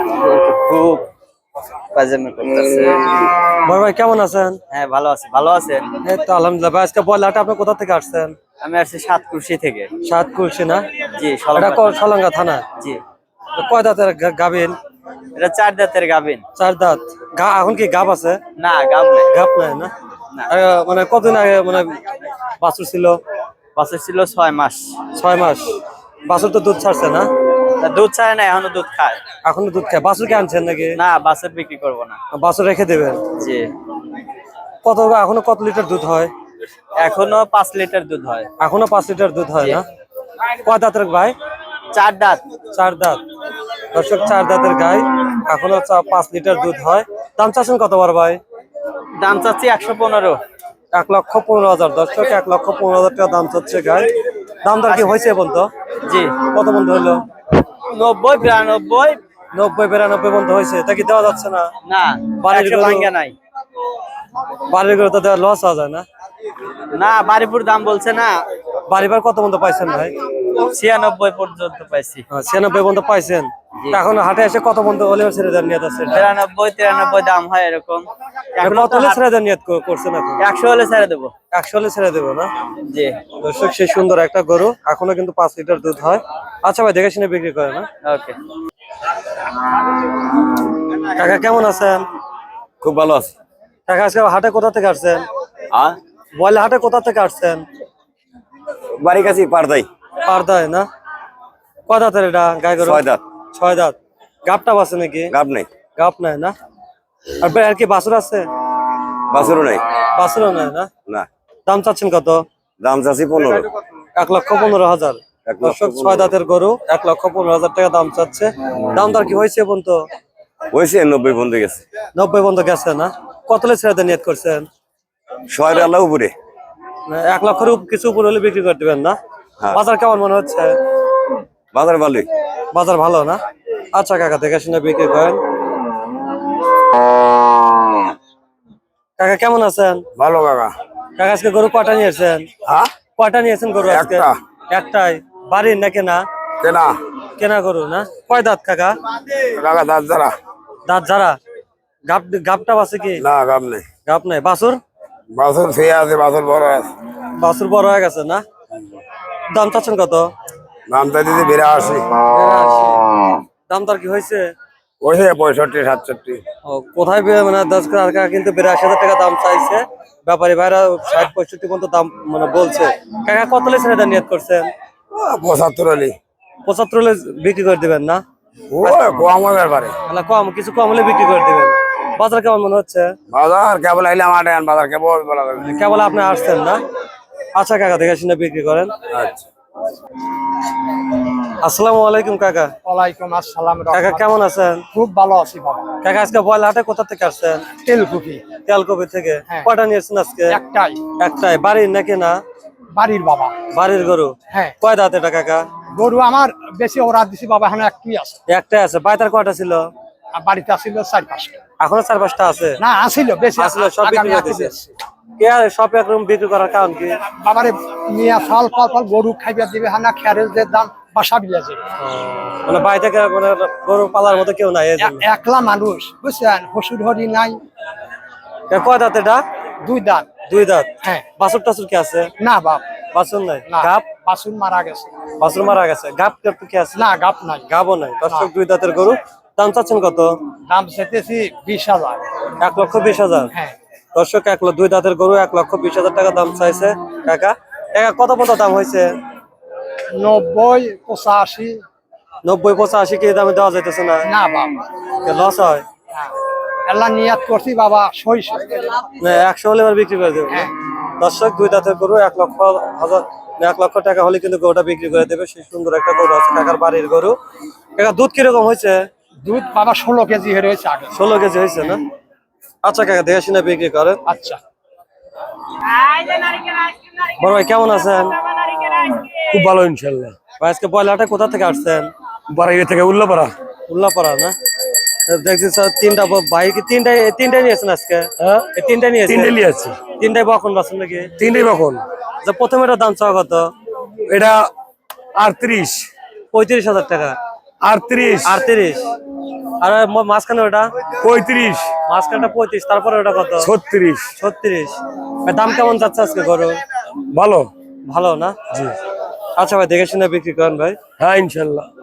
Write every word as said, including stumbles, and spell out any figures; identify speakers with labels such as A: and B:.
A: খুব পাজামা করতেছে।
B: বড় ভাই কেমন আছেন?
A: হ্যাঁ ভালো আছি। ভালো আছেন?
B: এই তো আলহামদুলিল্লাহ। ভাই আজকে বয়লাটা আপনি কোথা থেকে আসছেন?
A: আমি আসছি সাতকুশি থেকে।
B: সাতকুশি না?
A: জি
B: এটা
A: সলঙ্গা
B: ক-
A: থানা।
B: সলঙ্গা থানা।
A: জি
B: কয় দাঁতের গা- গাভীর?
A: এটা চার দাঁতের গাভিন।
B: চার দাঁত। গা এখন কি গাব আছে?
A: না গাভ নাই।
B: গাব নাই না?
A: না
B: আহ, মানে কতদিন আগে মানে বাছুর ছিল?
A: বাছুর ছিল ছয় মাস।
B: ছয় মাস। বাছুর তো দুধ ছাড়ছে না?
A: তা দুধ ছাড়ে না, এখনো দুধ খায়।
B: এখনো দুধ খায়। বাছুর কে আনছেন নাকি?
A: না বাছুর বিক্রি করবো না।
B: বাছুর রেখে দেবেন।
A: জি
B: কত এখনো কত লিটার দুধ হয়?
A: এখনো পাঁচ লিটার দুধ হয়।
B: এখনো পাঁচ লিটার দুধ হয়
A: জি।
B: না? কয় দাঁতের ভাই?
A: চার দাঁত।
B: চার দাঁত। দর্শক চার দাঁতের গাই, এখনো চা- পাঁচ লিটার দুধ হয়। দাম চাচ্ছেন কত বার ভাই?
A: দাম চাচ্ছি একশো পনেরো।
B: এক লক্ষ পনেরো হাজার। দর্শক এক লক্ষ পনেরো হাজার টাকা দাম চাচ্ছে গাই। দাম দর কি হয়েছে বন্ধু?
A: জি
B: কত বন্ধু হলো?
A: নব্বই বিরানব্বই।
B: নব্বই বিরানব্বই বন্ধু হয়েছে, তা কি দেওয়া যাচ্ছে না?
A: না
B: বাড়ির
A: একশো
B: গরু-
A: ভাঙ্গা নাই।
B: বাড়ির করে তো দেওয়া লস হওয়া যায় না?
A: না বাড়িপুর দাম বলছে না।
B: বাড়িবার কত বন্ধু পাইছেন ভাই?
A: ছিয়ানব্বই পর্যন্ত পাইছি।
B: আহ, ছিয়ানব্বই বন্ধু পাইছেন।
A: জি।
B: তা এখন হাটে এসে কত বন্ধু হলে ছেড়ে দেন নিয়ত আছে?
A: বিরানব্বই তিরানব্বই দাম হয় এরকম। এখনো
B: কত
A: তো
B: হলে
A: হাট-
B: ছেড়ে দেন নিয়ত কর- করছেন এখন?
A: একশো হলে ছেড়ে দেবো।
B: একশো হলে ছেড়ে দেবো না?
A: জি
B: দর্শক সেই সুন্দর একটা গরু, এখনো কিন্তু পাঁচ লিটার দুধ হয়। আচ্ছা ভাই দেখে শুনে বিক্রি করে না?
A: ওকে।
B: কাকা কেমন আছেন?
C: খুব ভালো আছে।
B: কাকা আজকে হাটে কোথা থেকে আসছেন?
C: আর
B: বয়লা হাটে কোথা থেকে আসছেন?
C: বাড়ির কাছে পারদাই।
B: পারদায় না? কয় দাঁতের এটা গাই গরু?
C: ছয় দাঁত।
B: ছয় দাঁত। গাবটা আছে নাকি?
C: গাব নেই,
B: গাব নাই না? আর ভাই আর কি বাছুর আছে?
C: বাছুরও নেই।
B: বাছুরও নাই না?
C: না,
B: দাম চাচ্ছেন কত?
C: দাম চাচ্ছি পনেরো।
B: এক লক্ষ পনেরো হাজার।
C: এক লক্ষ
B: দর্শক ছয় দাঁতের গরু, এক লক্ষ পনেরো হাজার টাকা দাম চাচ্ছে। দাম দর কি হয়েছে বন্ধু?
C: হয়েছে নব্বই বন্ধু গেছে।
B: নব্বই বন্ধু গেছে না? কত লে ছেড়ে নিয়ত করছেন?
C: ছয় আল্লাহ উপরে।
B: না, এক লক্ষের উপ- কিছু উপর হলে বিক্রি করে দিবেন না?
C: হ্যাঁ।
B: বাজার কেমন মনে হচ্ছে?
C: বাজার ভালোই।
B: বাজার ভালো না? আচ্ছা কাকা দেখে শুনে বিক্রি করেন। কাকা কেমন আছেন?
C: ভালো কাকা।
B: কাকা আজকে গরু কয়টা নিয়েছেন?
C: হ্যাঁ,
B: কয়টা নিয়েছেন গরু আজকে?
C: একটা।
B: একটাই। বাড়ির না কেনা?
C: কেনা
B: কেনা গরু না? কয় দাঁত কাকা?
C: কাকা দাঁত যারা।
B: দাঁত যারা? গাপ গাপটা আছে কি?
C: না, গাব নেই।
B: গাপ নাই। বাছুর?
C: বাছুর খেয়ে আছে, বাছুর বড় আছে।
B: বাছুর বড় হয়ে গেছে না? দাম চাচ্ছেন কত?
C: দাম চাই দিদি বিরাশি।
B: বিরাশি। দাম দর কি হয়েছে?
C: ওইছে পঁয়ষট্টি সাতষট্টি।
B: ও, কোথায় বে- মানে দশ টাকা কিন্তু বিরাশি হাজার টাকা দাম চাইছে। ব্যাপারী ভাইরা ষাট পঁয়ষট্টি পর্যন্ত দাম মানে বলছে। কাকা কত লে ছেড়ে দেন নিয়ত করছেন?
C: পঁচাত্তর আলি।
B: পঁচাত্তর হলে বিক্রি করে দিবেন না?
C: ও কম হবার পারে।
B: তাহলে কম, কিছু কম হলে বিক্রি করে দিবেন। বাজার কেমন মনে হচ্ছে?
C: বাজার কেবল আইলাম আটে বাজার কেবল বলা যাবে।
B: কেবল আপনি আসছেন না? আচ্ছা কাকা দেখে শুনে বিক্রি করেন।
C: আচ্ছা।
B: আসসালামু আলাইকুম কাকা।
D: ওয়ালাইকুম আসসালাম।
B: কাকা কেমন আছেন?
D: খুব ভালো আছি বাবা।
B: কাকা আজকে বয়লা হাটে কোথা থেকে আসছেন?
D: তেলকুপি
B: তেলকপি থেকে।
D: হ্যাঁ।
B: কয়টা নিয়েছেন আজকে?
D: একটাই।
B: একটাই। বাড়ির নাকি না?
D: বাড়ির বাবা।
B: বাড়ির গরু।
D: হ্যাঁ,
B: কয় দাঁত এটা কাকা?
D: গরু আমার বেশি ওরা দিছি বাবা, এখন একটি আছে।
B: একটাই আছে। বাইতার কয়টা ছিল?
D: আর বাড়িতে আসিল চার পাঁচটা।
B: এখনো চার পাঁচটা আছে?
D: না আসিল বেশি
B: আসলে সব
D: আগামী
B: বিক্রি করে
D: হাটে
B: দিছে।
D: বেচছি।
B: কে আর সব একরকম বিক্রি করার কারণ কি?
D: বাবারে নিয়ে ফল ফল ফল গরু খাইবা দিবে, হানা খেয়ারের যে দাম বাসা বিলাছে।
B: মানে বাড়ি থেকে মানে গরু পালার মতো কেউ নাই এই জন্য।
D: একলা মানুষ বুঝছেন, হসুর হরি নাই।
B: এ কয় দাঁত এটা?
D: দুই দাঁত।
B: দুই দাঁত।
D: হ্যাঁ।
B: বাছুর টাছুর কি আছে?
D: না বাপ,
B: বাছুর নাই?
D: না
B: গাপ?
D: বাসুন মারা গেছে।
B: বাছুর মারা গেছে। গাপ টাপ কি আছে?
D: না গাপ নাই।
B: গাবও নাই। দর্শক দুই দাঁতের গরু। দাম চাচ্ছেন কত?
D: দাম চেতেছি বিশ হাজার।
B: এক লক্ষ বিশ হাজার।
D: হ্যাঁ।
B: দর্শক এক লক্ষ দুই দাঁতের গরু এক লক্ষ বিশ হাজার টাকা দাম চাইছে কাকা। কাকা কত কত দাম হয়েছে?
D: নব্বই পঁচাশি।
B: নব্বই পঁচাশি কি দামে দেওয়া যাইতেছে না?
D: না বাবা
B: লস হয়।
D: আল্লাহ নিয়াত করছি বাবা সইস।
B: না, একশো হলে এবার বিক্রি করে দেবো।
D: হ্যাঁ।
B: দর্শক দুই দাঁতের গরু এক লক্ষ হাজার এক লক্ষ টাকা হলে কিন্তু গরুটা বিক্রি করে দেবে। সেই সুন্দর একটা গরু আছে কাকার বাড়ির গরু। কাকা দুধ কিরকম হয়েছে?
D: দুধ বাবা ষোলো কেজি হয়ে রয়েছে আগে।
B: ষোলো কেজি হয়েছে না? আচ্ছা কাকা দেখে শুনে বিক্রি করে।
D: আচ্ছা।
B: বড় ভাই কেমন আছেন?
C: খুব ভালো ইনশাল্লাহ।
B: ভাই আজকে বয়লাটা কোথা থেকে আসছেন?
C: বাড়ি থেকে উল্লাপাড়া।
B: উল্লাপাড়া না? দেখছি স্যার তিনটা ভাই কি তিনটাই তিনটাই নিয়েছেন আজকে?
C: হ্যাঁ,
B: এই তিনটাই নিয়েছেন?
C: তিনটে নিয়ে আছে।
B: তিনটাই বখন বাসন নাকি?
C: তিনটে কখন?
B: যে প্রথমে এটার দাম চাওয়া কত?
C: এটা আটত্রিশ।
B: পঁয়ত্রিশ হাজার টাকা।
C: আটত্রিশ।
B: আটত্রিশ। আর ম- মাঝখানে ওটা
C: পঁয়ত্রিশ
B: মাঝখানটা পঁয়ত্রিশ, তারপরে ওটা কত?
C: ছত্রিশ।
B: ছত্রিশ। ভাই দাম কেমন যাচ্ছে আজকে গরু?
C: ভালো।
B: ভালো না?
C: জি।
B: আচ্ছা ভাই দেখে শুনে বিক্রি করেন ভাই।
C: হ্যাঁ ইনশাল্লাহ।